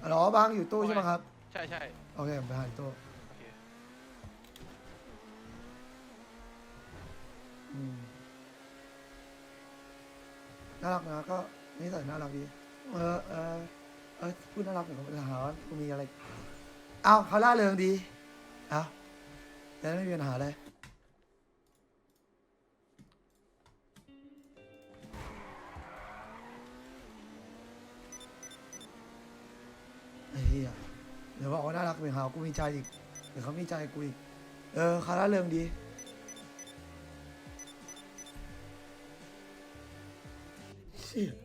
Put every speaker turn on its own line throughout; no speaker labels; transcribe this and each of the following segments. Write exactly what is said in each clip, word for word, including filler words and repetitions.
อ๋อบางอยู่ตู้ใช่ไหมครับ
ใช่ใช่
โอเคผมไปหาตู้
โอเค
อืมน่ารักนะก็นิสัยน่ารักดีเออเออเออพูดน่ารักเหมือนกับจะหาว่ากูมีอะไรเอ้าเขาล่าเริงดีเอ้าแต่ไม่มีปัญหาเลยไอ้เหี้ยเดี๋ยวบอกว่าน่ารักเหมือนหากูมีใจอีกเดี๋ยวเขามีใจกูอีกเออเขาล่าเริงดีเชี่ย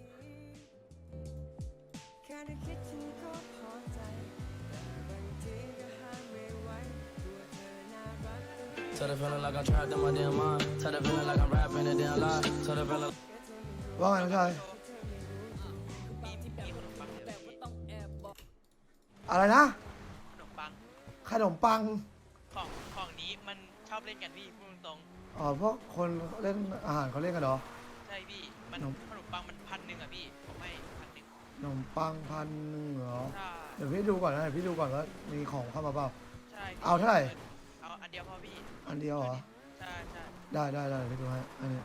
Tell the feeling like I'm trapped in my damn mind. Tell the feeling like I'm rapping a damn lie. Tell the feeling.
ว่าไงน้องชาย
มีมีขนมปังเยอะพี่
อะไรนะ
ขนมปัง
ขนมปัง
ของของนี้มันชอบเล่นกันพี่พูดตรง
อ๋อพวกคนเล่นอาหารเขาเล่นกันเหรอ
ๆใช่พี่มัน
ขนม
ขนมปังมันพันหนึ่งอะพี่ผมให้พันหนึ่ง
ขนมปังพันหนึ่งเหรอ
ใช่
เดี๋ยวพี่ดูก่อนนะเดี๋ยวพี่ดูก่อนว่ามีของเข้ามาเปล่า
ใช่พี่
เอาเท่าไหร่
เอาอันเดียวพอพี่
อันเดียวเหรอ
ใช่ใช่
ได้ได้ได้เดี๋ยวพี่ดูให้อันนี้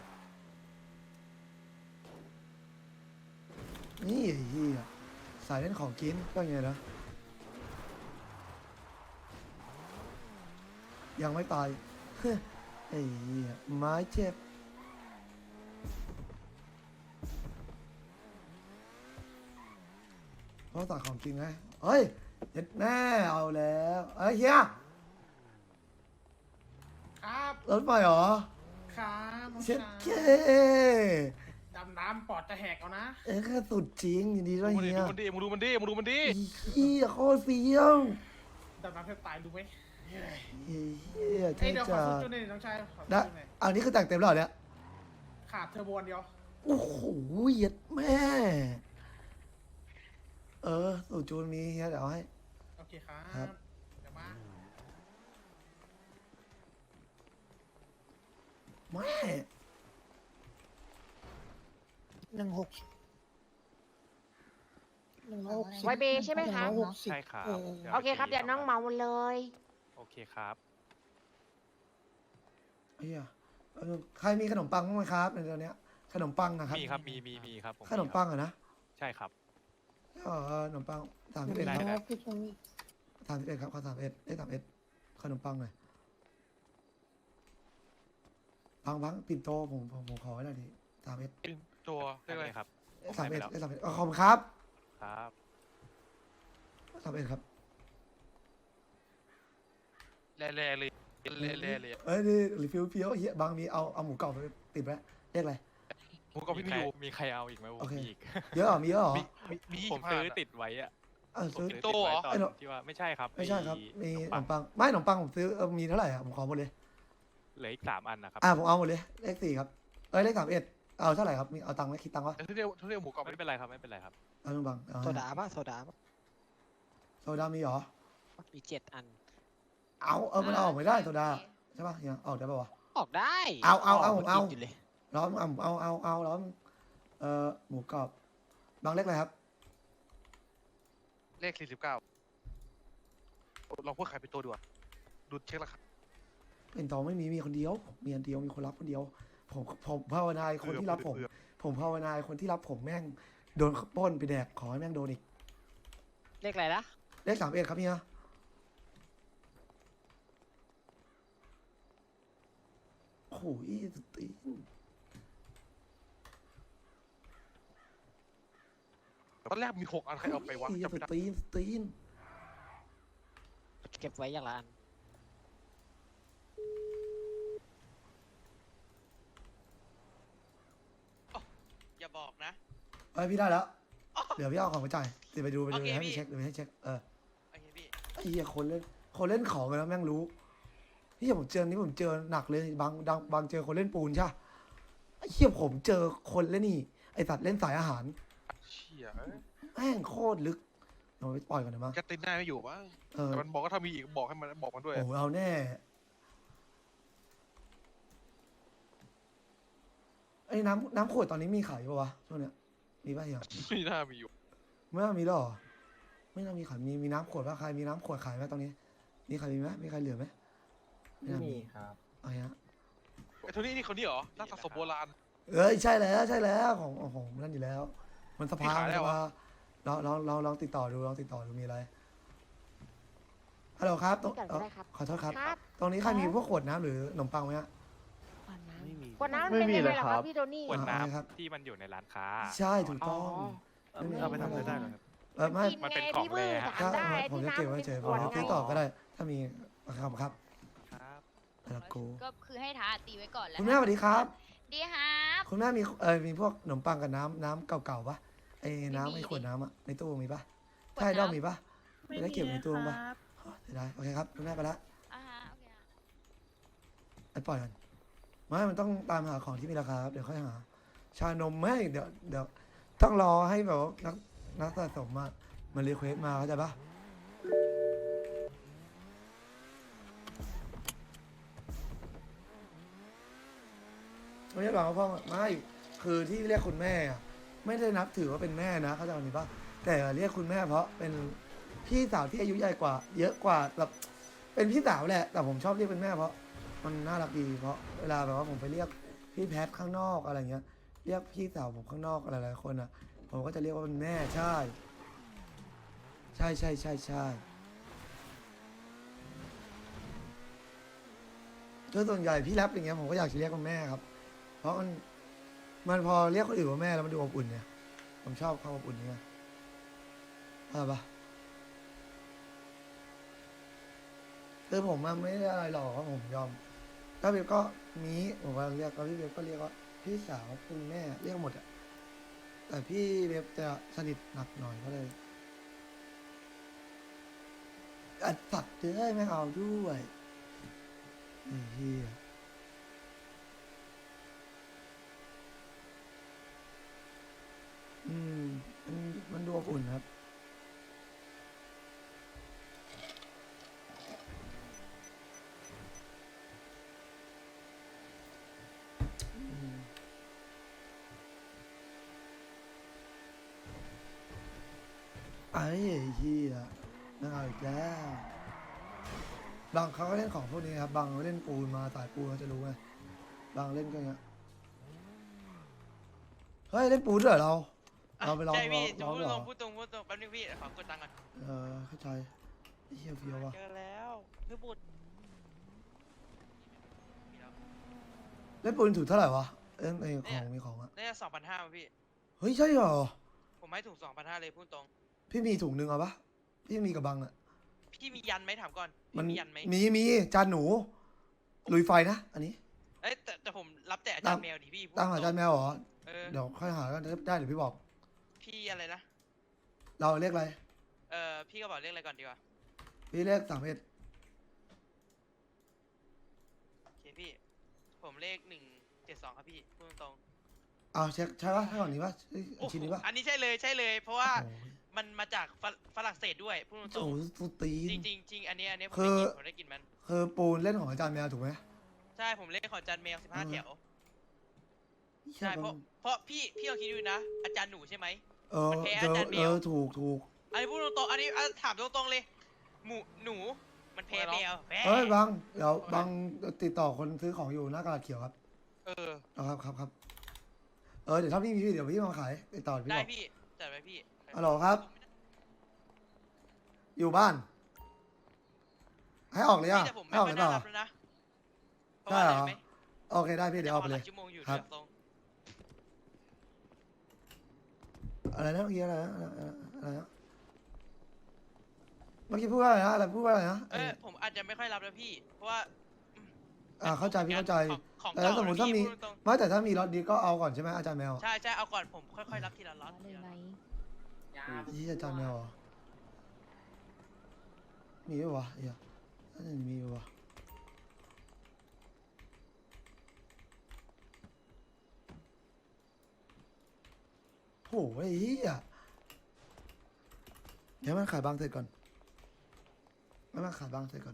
นี่ไอ้เหี้ยสายเล่นของกินก็อย่างไงนะยังไม่ตาย ไอ้เหี้ยไม้เจ็บเพราะสายของจริงไงเฮ้ยเด็ดแน่เอาแล้วเอ้ยเฮีย
ครับ
รถไฟเหรอ
ครับน้อง
เช็ด
ชาย
เค
ดำน้ำปอดจะแหกเอานะ
เอ้ยแค่สุดจริงยินดีด้วย
มึง
เฮีย
ดูมันดิมึงดูมันดิมึงดูมันดิ
เฮียโคตรเฟี้ยว
ดำน้ำแทบตายดูไหมเฮ้ย
เฮีย
เอ้
เท่
ยเดี๋ยวขอ
จั
สุด
ด
จุดหนึ่งน้องชายขอสุด
ได้
จุดหนึ่ง
อันนี้คือแต่งเต็มแล้วเหรอเนี่ย
ขาดเทอร์โบอันเดียว
โอ้โหเหี้ย็ดแม่ เออสูตรจูนมีเฮียเดี๋ยวเอาให้
โอเคครั
ครับ
บเดี๋ยวมา
แม่
หนึ่งหกหนึ่งหก
ไวเบใช่ไหมคะ
ใช่ครับ
โอเคครับ เดี๋ยวน้องเหมาหมดเลย
โอเคครับ
เฮียเออใครมีขนมปังบ้างไหมครับในตอนเนี้ยขนมปังนะครับ
มีครับมีมีมีครับผ
ขนมปังเหรอะนะ
ใช่ครับ
เออขนมปังสาม
ห
สิบ
นึ่
เอ็ด
ง
ครับ
หกพี่ตรงนี้
สามสิบเอ็ดครับข้อสามเอ็ดได้สามเอ็ดขนมปังหน่อยปังปังปิ่นโตผมผมผมขอไว้หน่อยดิสามเอ็ด
ตัวเรียกอะไรครับ
สามเอ็ดได้สามเอ็ดขอบคุณครับ
ครับ
สามเอ็ดครับ
แร่แร่เลยแร่แร่เลย
เอ้ยนี่รีฟิวเพียวเฮียบางมีเอาเอาหมูกรอบไปติดไว้เรียกอะไร
ผมก็พี่ไม่อยู่มีใครเอาอีกไหม
โอเค
มีอีก
เยอะเหรอมีเยอะเหรอ
มีผมซื้อติดไว้อะ
เออซื้อ
ผมซื้อติดไว้ตอ
ไอ้
น
หนู
ที่ว่าไม่ใช่ครับ
ไม่ใช่ครับ มี
ข
ข
น
น
ม
ม
ปัง
ปังไม่ขนมปังผมซื้อเออมีเท่าไหร่อ่ะผมขอหมดเลย
เหลืออีกสามอันนะครับ
อ่าผมเอาหมดเลยเลขสี่ครับเอ้ยเลขสามเอ็ดเอาเท่าไหร่ครับมีเอาตังค์ไหมคิดตังค์วะ
ทุเรียนทุเรียนหมูกรอบไม่เป็นไรครับไม่เป็นไรครับ
เอาหนึ่งบังเอา
โซดาป่ะโซดาป่ะ
โซดามีเหรอ
มีเจ็ดอัน
เอาเออมันเอาออกไม่ได้โซดาใช่ป่ะยังออกได้ป่าวะ
ออกได้
เอาเอาเอาผมเอา
นกินยู่เลย
ร้อนเอาเอาเอาเอาร้อนเอ่อหมูกรอบบางเลขอะไรครับ
เลขสี่สิบเก้าลองพูดขายเป็นตัวดูอ่ะดูเช็คราคา
เป็นตองไม่มีมีคนเดียวผมมีอันเดียวมีคนรับคนเดียว ผมผมภาวนาให้คนที่รับผม ผมภาวนาให้คนที่รับผมแม่งโดนปล้นไปแดกขอให้แม่งโดนอีก
เลขอะไรนะ
เลขสามเอ็ดครับเนี่ยโอ้โหสตีน
ตอนแรกมีหกอันใครเอาไปวะ
ส
จำไม่ได้
ตีนสตีน
เก็บไว้อย่างละอัน
อย่าบอกนะ
เอ้ยพี่ได้แล้ว เดี๋ยวพี่เอาของไปจ่ายเดี๋ยวไปดูไปดู
โอเค
ให้
พี่
พี่เช็คเดี๋ยวให้เช็คเออ
โอเคพี่
ไอ้เหี้ยคนเล่นคนเล่นของกันแล้วแม่งรู้พี่ผมเจอนี่ผมเจอหนักเลยบางดังบางเจอคนเล่นปูนใช่ปะไอ้เหี้ยผมเจอคนเล่นนี่ไอสัตว์เล่นสายอาหาร
เชี่ย
แม่งโคตรลึกเดี๋ยวไปปล่อยก่อนนะมั้ง
แกตินได้ไม่อยู่มั้ง
เออ
แต่มันบอกว่าถ้ามีอีกบอกให้มันบอกมันด้วย
โอ้โหเอาแน่ไอ้น้ำน้ำขวดตอนนี้มีขายปะวะช่วงเนี้ยมีป่ะเฮีย
ไม่น่ามีอยู่
ไม่น่ามีแล้วเหรอไม่น่ามีขายมีมีน้ำขวดป่ะใครมีน้ำขวดขายไหมตรงนี้มีใครมีไหมมีใครเหลือไหมไม่น่ามีครับเอาฮะ
ไอ้โทนี่นี่คนนี้เหรอนักสะสมโบราณ
เอ้ยใช่แล้วใช่แล้วของของของนั่นอยู่แล้ว มันสภา
มีขาย
มัน
แล้
ส
วเหร
ภา
อ
ลองลองลองลองติดต่อดูลองติดต่อดูมีอะไรฮัลโหลครับตรง
นี่ก่อนก็ได้ครับ
ขอโทษครับ
ครับ
ตรงนี้ใครมีพวกขวดน้ำหรือขนมปังไหมฮะ
ไม่มี
ขวดน้ำเป็นยังไงล่ะครับพี่โทนี่
ขวดน้
อ่าครับ
ำที่มันอยู่ในร้านค้า
ใช่ถูกต้อง
อ๋อ
ม่
เอาไปทำอะไรได้เหรอครับ
เออไม่
กิน
มัน
ไง
เป็นของ
พี่มือ
แร่
ถาม
ถ้า
ได้
ผม
ที่
จะ
น้ำ
เก็บไว้
เป็น
เฉยๆ
ข
ผม
วด
จะ
ไง
ติดต่อก็ได้ ถ้ามีครับครับ
ครับ
แล้วกู
ก็คือให้ท้าตีไว้ก่อนแล้ว
คุณแม่สวัสดีครับ
ดีครับ
คุณแม่มีเออมีพวกขนมปังกับน้ำน้ำเก่าๆปะไอ้น้ำไอ้ขวดน้ำอะในตู้มีปะใช่ด้อมมีปะไม่ได้เก็บในตู้ปะอ๋อเสียดายโอเคครับคุณแม่ไปละ
อ่าฮะโอเคฮะ
ไอ้ปล่อยกันไม่มันต้องตามหาของที่มีราคาครับเดี๋ยวค่อยหา ชานมไม่เดี๋ยวเดี๋ยวต้องรอให้แบบว่านักนักสะสมมามันรีเควสมาเข้าใจปะไม่ใช่หรอกพ่อไม่คือที่เรียกคุณแม่อะไม่ได้นับถือว่าเป็นแม่นะเข้าใจคำนี้ปะแต่เรียกคุณแม่เพราะเป็นพี่สาวที่อายุใหญ่กว่า เยอะกว่าแบบเป็นพี่สาวแหละ แต่ผมชอบเรียกเป็นแม่เพราะมันน่ารักดีเพราะเวลาแบบว่าผมไปเรียกพี่แพทข้างนอกอะไรเงี้ย เรียกพี่สาวผมข้างนอกอะไรหลายๆคนอ่ะ ผมก็จะเรียกว่าเป็นแม่ใช่ ใช่ใช่ใช่ใช่ก็ส่วนใหญ่พี่แรปอย่างเงี้ยผมก็อยากจะเรียกว่าแม่ครับ เพราะมันมันพอเรียกคนอื่นว่าแม่แล้วมันดูอบอุ่นเนี่ยผมชอบความอบอุ่นนี้อะไรปะคือผมมันไม่ได้อะไรหรอกครับผมยอมถ้าเบบก็มีผมก็เรียกแล้วพี่เบบก็เรียกว่าพี่สาวคุณแม่เรียกหมดอะแต่พี่เบบจะสนิทหนักหน่อยก็เลยอัดสัตว์เลยไม่เอาด้วยไอ้เหี้ยอืมมันมันดูอบอุ่นครับอืมไอ้เหี้ยน่าเอาอีกแล้วบางเขาก็เล่นของพวกนี้ครับบางเล่นปูนมาสายปูนเขาจะรู้ไงบางเล่นก็อย่างเงี้ยเฮ้ยเล่นปูนด้วยเหรอเราเราไปลอง
ใช่
ลอ
พี่
งลอง
พูด
ด้วย
ต
เห
ร
รง อ
พูดตรงพูดตรงแป๊บนึงพี่ขอกดตังค์ก่อน
เออเข้าใจไอ้เหี้ยเฟียวว่ะ
เจอแล้วพี่บุตร
เล่นปูนถูกเท่าไหร่วะเล่นไอ้ของมีของอะ
น่าจะสองพันห้าพี่
เฮ้ยใช่เหรอ
ผมให้ถูกสองพันห้าเลยพูดตรง
พี่มีถุงหนึ่งเอาปะพี่มีกับบังอะ
พี่มียันไหมถามก่อน
มัน
พี่มียันไหม
มีมีจานหนูลุยไฟนะอันนี้
เอ้ยแต่แต่ผมรับแต่อาจารย์แมวดิพี่พูด
ตามหาจานแมวเหรอ
เออ
เดี๋ยวค่อยหากันได้เดี๋ยวพี่บอก
พี่อะไรนะ
เราเรียกอะไร
เออพี่ก็บอกเรียกอะไรก่อนดีกว่า
พี่เรียกสามเอ็ด
โอเคพี่ ผมเลขหนึ่งเจ็ดสองครับพี่พูดตรง
เอาเช็คใช่ปะใช่ก่อนนี้ปะเอ้ย
ๆโอ้โห
ชิ้นนี้ปะ
อันนี้ใช่เลยใช่เลย เพราะว่า
โอ้โห
มันมาจากฝรฝรั่งเศสด้วยพูดต
โอ้
รง
โหสุดตี
ๆจ
น
ริงจริงจริงอันนี้อันนี้ผม
คื
ได้
อ
กินผมได้กินมัน
คือปูนเล่นของอาจารย์แมวถูกไหม
ใช่ผมเลขของอาจารย์แมวสิบห้า
เออ
แถว
ใช่
ใช่เพราะเพราะพี่พี่ลองคิดดูนะ อาจารย์หนูใช่ไหม
เออ
มันแพ้
เอ
อา
อ
จารย์แม
เอ
ว
อถูกถูก
อันนี้พูดตรงๆอันนี้อ่ะถามตรงๆเลย หมูหนูมันแพ้แมวแพ้
เฮ้ยบังเดี๋ยวบังติดต่อคนซื้อของอยู่หน้ากระดาษเขียวครับ
เออ
เอาครับครับครับเออเดี๋ยวถ้าพี่มีพี่เดี๋ยวพี่มาขายติดต่อพี่
ได้
บอก
พี่จัดไปพี่
ฮัลโหลครับ อยู่บ้าน ให้ออกเลย
พี่
อ่ะ
แต่ผม
ให้
ไม่
ออก
ค่
เล
อย
ยเป
น่า
ล่า
รับแล้วนะเพราะ
ใช่
ว่า
เหรอ
อะไรรู้ไหม
โอเคได้พี่เดี๋ยวออกไป
จะ
เล
ห
ย
ลายชั่วโมงอยู่
ครับ
เดี๋ยวตรง
อะไรนะเมื่อกี้อะไรนะอะไรนะเมื่อกี้พูดว่าอะไรนะอะไรพูดว่าอะไรนะ
เออผมอาจจะไม่ค่อยรับแล้วพี่ เพราะว่า
อ่าเข้าใจพี่เข้าใจ
ของของ
แต่
เก่า
สมมติถ้ามี
พี่พูดตรง
ไม่แต่ถ้ามีรถดีก็เอาก่อนใช่ไหมอาจารย์แมว
ๆใช่ใช่เอาก่อนผมค่อยๆรับทีละล็อตทีละล็อต
ยี่อาจารย์แมวเหรอมีไหมวะเฮียน่าจะมีวะโหไอ้เหี้ยเดี๋ยวมันขายบางเสร็จก่อนไม่มาขายบางเสร็จก่อน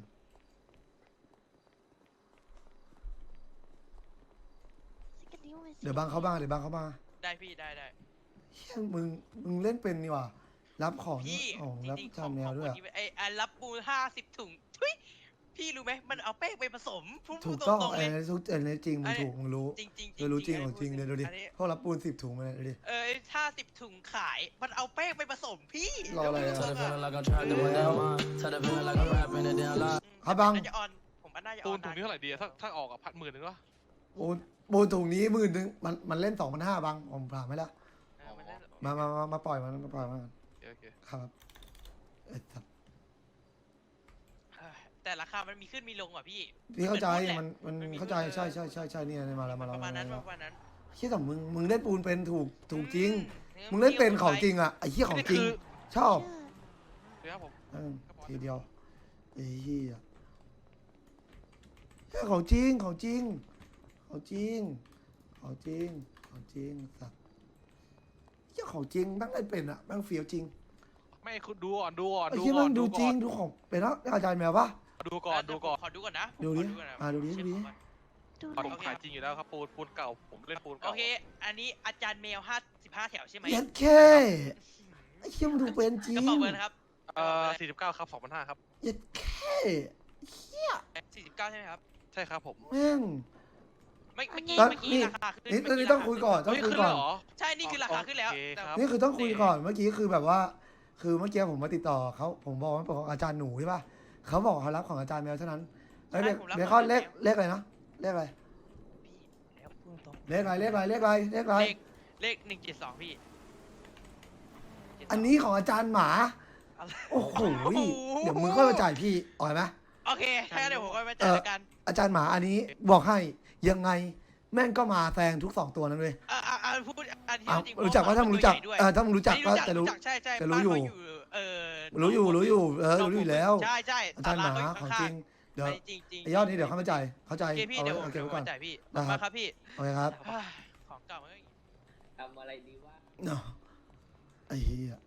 เดี๋ยวบางเขาบ้างเดี๋ยวบางเขาบ้าง
ได้พี่ได้ได้
เฮียมึงมึงเล่นเป็นนี่หว่ารับของ
พี่
ของ
จ
รับ
ริงๆ
จานแมวด้วย
ข
อะ
องคนนี้ไอ้ไอ้รับปูห้าสิบถุงทุยพี่รู้ไหมมันเอาแป้งไปผสมพูด
ถูก
ต
ต้อง
รงๆ
ไอ้
เลย
ทุกอันนี้จริงมึงถูกมึงรู้
จริงๆจริง
เออรู้จริงของจริง
อัน
เดี๋ยวดูดิ
อันนี้
พวกรับปูนสิบถุงมาเลยดูดิ
เออห้าสิบถุงขาย มันเอาแป้งไปผสมพี่
รออะไรอะ
Tell the feeling like I'm trapped in my damn mind. Tell the feeling like I'm rapping a damn lie.
ครับบัง
น่าจะออนผมว่าน่าจะอ
ปู
อน น
ถุงนี้เท่าไหร่ดีอะถ้าถ้าออกอะพันหมื่นหนึ่งวะ
ปูนปูนถุงนี้หมื่นหนึ่งมันมันเล่นสองพันห้าบังผมผ่านไหมล่ะ
เออมันน่าจะ
มามามามาปล่อยมันมาปล่อยมัน
โอเคโอเค
ครับเอ้ยครับ
เออแต่ราคามันมีขึ้นมีลงอ่ะพี่
พี่เข้าใจ
เหมือนพูดแหละ
มันมัน
มันมี
เข้าใจ
พูด
ใช่ใช่ใช่ใช่เนี่ยมาแล้วมาแล้ว
ประมาณนั้น
แล้ว
ประมาณนั้น
เฮียแต่มึงมึงเล่นปูนเป็นถูกถูกจริง
อื
มึงเล่นเป็นของจริงอ่ะไอ้เหี้ยของจริง ชอบ
เดี๋ยวครับผม
เออทีเดียวไอ้เหี้ยเฮ้ยของจริงของจริงของจริงของจริงของจริงสัตว์เหี้ยของจริงแม่งเล่นเป็นอ่ะแม่งเฟี้ยวจริง
ไม่คุณดูก่อนดูก่อน
ไอ้
ดู
เหี้ย
ก่อ
แม่
น
งดูจ
ก่
ริ
อง น
ดูของเป็นแล้วอาจารย์แมวปะ
ดูก่อนดูก่อน
ขอดูก่อนนะผม
ดูดิ
ขอก่อนนะ
อ่าดูดิ
เช็ค
ดูดิ
ก่อน
ดู
ผม
หน่อย
ขายจริงอยู่แล้วครับปูนปูนเก่าผมเล่นปูน
โอ
เก่า
เค อันนี้อาจารย์แมวห้าสิบห้าแถวใช่ไหม
เย็ดแค่ไอ้เหี้ยมันดูเป็นจริ
ก
ง
ระเป๋าเบอร์นะครับ
เอ่อสี่สิบเก้าครับสองพันห้าครับ
เย็ดแค่
สี่สิบเก้าใช่ไหมครับ
ใช่ครับผม
แม่ง
ไม่เมื่อกี้
แล้ว
เมื่อกี้
นี่
ราคาขึ้น
นี่
เมื่
นี่
กี้
ต้องคุยก่อนต้อง
เฮ้ย
คุย
ขึ้น
ก่
แล้
อน
วเหรอ
ใช่นี่คือราคาขึ้นแล้ว
โอเค
แต่
ครับ
นี่คือต้องคุยก่อนเมื่อกี้คือแบบว่า คือเมื่อกี้ผมมาติดต่อเขาผมบอกว่าเป็นของอาจารย์หนูใช่ป่ะเขาบอกเขารับของอาจารย์แมวเท่านั้นเอ้ยเบเบคอนเลขเลขอะไรนะเลขอะไร
พี่แล้วพูดตรง
เลขอะไรเลขอะไรเลขอะไรเลขอะไร
เลขเลขหนึ่งเจ็ดสองพี่
อันนี้ของอาจารย์หมา
อะไร
โอ้โหเดี๋ยวมึงค่อยมาจ่ายพี่อ่อยไหม
โอเคถ้างั้นเดี๋ยวผมก็ไปจัดการ
อาจารย์หมาอันนี้บอกให้ยังไงแม่งก็มาแซงทุกสองตัวนั้นเลย
อ่าอ่าอ่าพูดอันที่
อ้าว
จริง
รู้จักว่าถ้ามึงรู้จัก
ตัวใหญ่ด้วย
เออถ้ามึงรู้จัก
อัน
ก็
นี้
จะรู้
ใช่ใช่
จะรู้อยู่
บ้านเขาเออ
รู้อยู่รู้อยู่เออรู้อยู่แล้ว
ใช่ใช่
อาจารย์หมา
ศล
ของ
เข
จ
ยู่
ริงเดี๋ยว
ข้างๆจริงจริง
ไอ้ยอดนี้เดี๋ยวเข้ามาจ่ายเข้าใจ
โอเคพี่
เอา
เดี๋ยว
ไว้
ผม
เอาเก็บ
เดี๋ยว
ไว้
ผ
ก่อน
มจ่ายพี่
ได้ครับ
มาครับพี่
โอเคครับ
เฮ้ยของเก่ามันก็
ทำอะไรดีวะ
เนาะไอ้เหี้ย